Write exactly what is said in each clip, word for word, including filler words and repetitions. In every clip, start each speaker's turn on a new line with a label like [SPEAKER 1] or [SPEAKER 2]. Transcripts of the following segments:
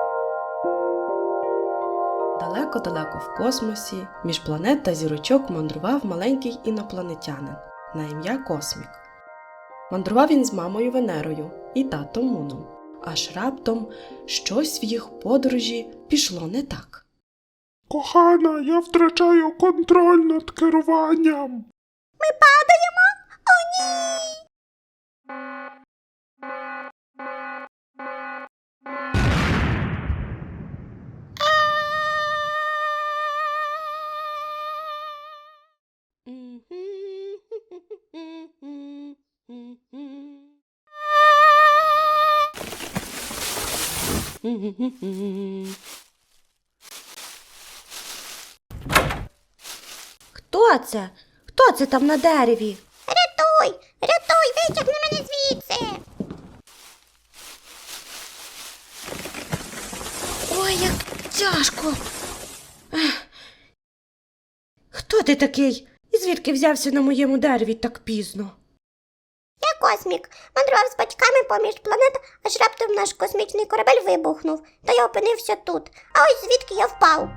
[SPEAKER 1] Далеко-далеко в космосі, між планет та зірочок мандрував маленький інопланетянин на ім'я Космік. Мандрував він з мамою Венерою і татом Муном. Аж раптом щось в їх подорожі пішло не так.
[SPEAKER 2] Кохана, я втрачаю контроль над керуванням.
[SPEAKER 3] Ми падаємо? О, ні!
[SPEAKER 4] Хто це? Хто це там на дереві?
[SPEAKER 3] Рятуй! Рятуй! Витягни мене звідси!
[SPEAKER 4] Ой, як тяжко. Ех. Хто ти такий? І звідки взявся на моєму дереві так пізно?
[SPEAKER 3] Я Космік. Мандрував з батьками поміж планет, аж раптом наш космічний корабель вибухнув, та я опинився тут. А ось звідки я впав.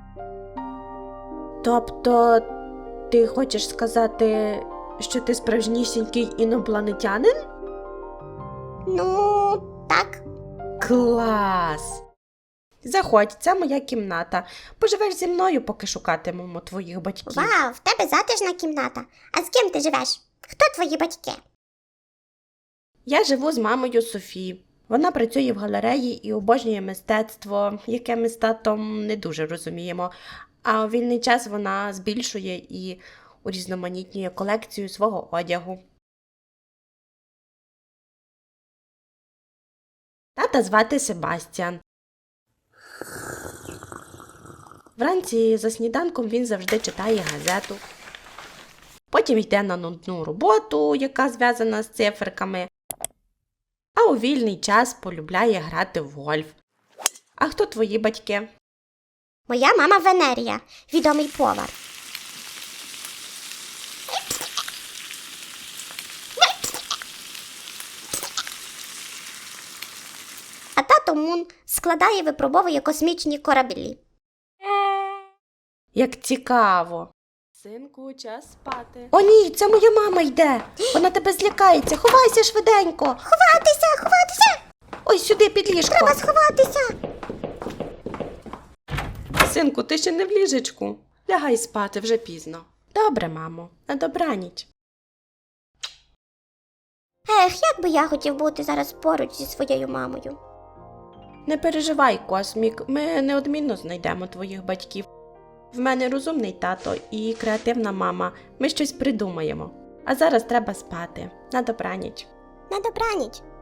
[SPEAKER 4] Тобто, ти хочеш сказати, що ти справжнісінький інопланетянин?
[SPEAKER 3] Ну, так.
[SPEAKER 4] Клас! Заходь, це моя кімната. Поживеш зі мною, поки шукатимемо твоїх батьків.
[SPEAKER 3] Вау, в тебе затишна кімната. А з ким ти живеш? Хто твої батьки?
[SPEAKER 4] Я живу з мамою Софі. Вона працює в галереї і обожнює мистецтво, яке ми з татом не дуже розуміємо. А у вільний час вона збільшує і урізноманітнює колекцію свого одягу. Тата звати Себастьян. Вранці за сніданком він завжди читає газету. Потім йде на нудну роботу, яка зв'язана з циферками. А у вільний час полюбляє грати в гольф. А хто твої батьки?
[SPEAKER 3] Моя мама Венерія, відомий повар. А тато Мун складає і випробовує космічні кораблі.
[SPEAKER 4] Як цікаво.
[SPEAKER 1] Синку, час спати.
[SPEAKER 4] О ні, це моя мама йде. Вона тебе злякається. Ховайся швиденько.
[SPEAKER 3] Ховатися, ховатися!
[SPEAKER 4] Ой, сюди під ліжко.
[SPEAKER 3] Треба сховатися!
[SPEAKER 1] Синку, ти ще не в ліжечку. Лягай спати, вже пізно.
[SPEAKER 4] Добре, мамо. На добраніч.
[SPEAKER 3] Ех, як би я хотів бути зараз поруч зі своєю мамою.
[SPEAKER 4] Не переживай, Космік, ми неодмінно знайдемо твоїх батьків. В мене розумний тато і креативна мама. Ми щось придумаємо. А зараз треба спати. На добраніч.
[SPEAKER 3] На добраніч.